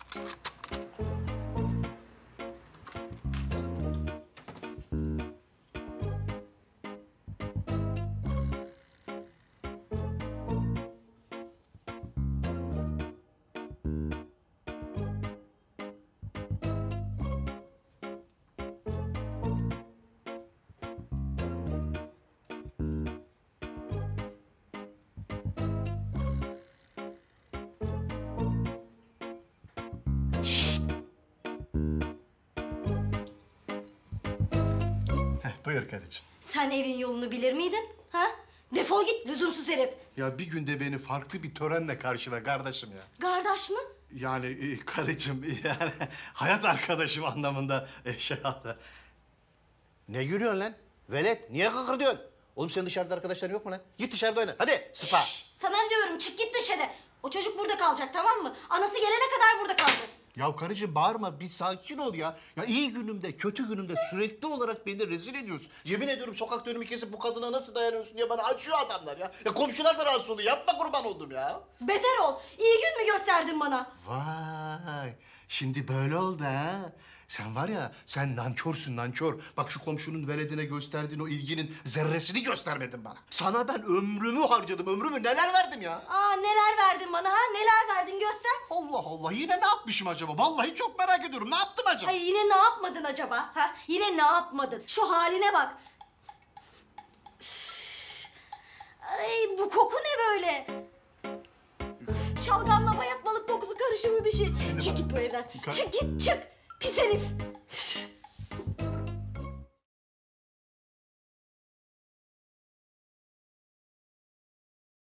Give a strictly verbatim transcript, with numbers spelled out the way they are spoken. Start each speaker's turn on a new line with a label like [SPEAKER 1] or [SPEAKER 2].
[SPEAKER 1] Buyur karıcığım.
[SPEAKER 2] Sen evin yolunu bilir miydin? Ha? Defol git lüzumsuz herif.
[SPEAKER 1] Ya bir günde beni farklı bir törenle karşıla kardeşim ya.
[SPEAKER 2] Kardeş mı?
[SPEAKER 1] Yani e, karıcığım yani hayat arkadaşım anlamında e, şey aldı.
[SPEAKER 3] Ne gülüyorsun lan? Velet, niye kıkırdıyorsun? Oğlum senin dışarıda arkadaşların yok mu lan? Git dışarıda oyna. Hadi sıpa.
[SPEAKER 2] Şşş, sana diyorum çık git dışarı. O çocuk burada kalacak tamam mı? Anası gelene kadar burada kalacak.
[SPEAKER 1] Ya karıcığım bağırma, bir sakin ol ya. Ya iyi günümde, kötü günümde sürekli olarak beni rezil ediyorsun.
[SPEAKER 3] Yemin ediyorum sokakta önümü kesip bu kadına nasıl dayanıyorsun diye bana açıyor adamlar ya. Ya komşular da rahatsız oluyor. Yapma kurban oldum ya.
[SPEAKER 2] Beter ol. İyi gün mü gösterdin bana?
[SPEAKER 1] Vay, şimdi böyle oldu ha. Sen var ya, sen nankörsün nankör. Bak şu komşunun veledine gösterdiğin o ilginin zerresini göstermedin bana. Sana ben ömrümü harcadım, ömrümü neler verdim ya.
[SPEAKER 2] Aa neler verdin bana ha? Neler verdin göster.
[SPEAKER 1] Allah Allah, yine ne yapmışım acaba? Vallahi çok merak ediyorum, ne yaptım acaba?
[SPEAKER 2] Ay yine ne yapmadın acaba? Ha? Yine ne yapmadın? Şu haline bak. Üf. Ay bu koku ne böyle? Şalgamla bayatmalık kokusu karışımı bir şey. Çık git bu evden.
[SPEAKER 1] Kar-
[SPEAKER 2] Çık git çık. Pis herif. Üf.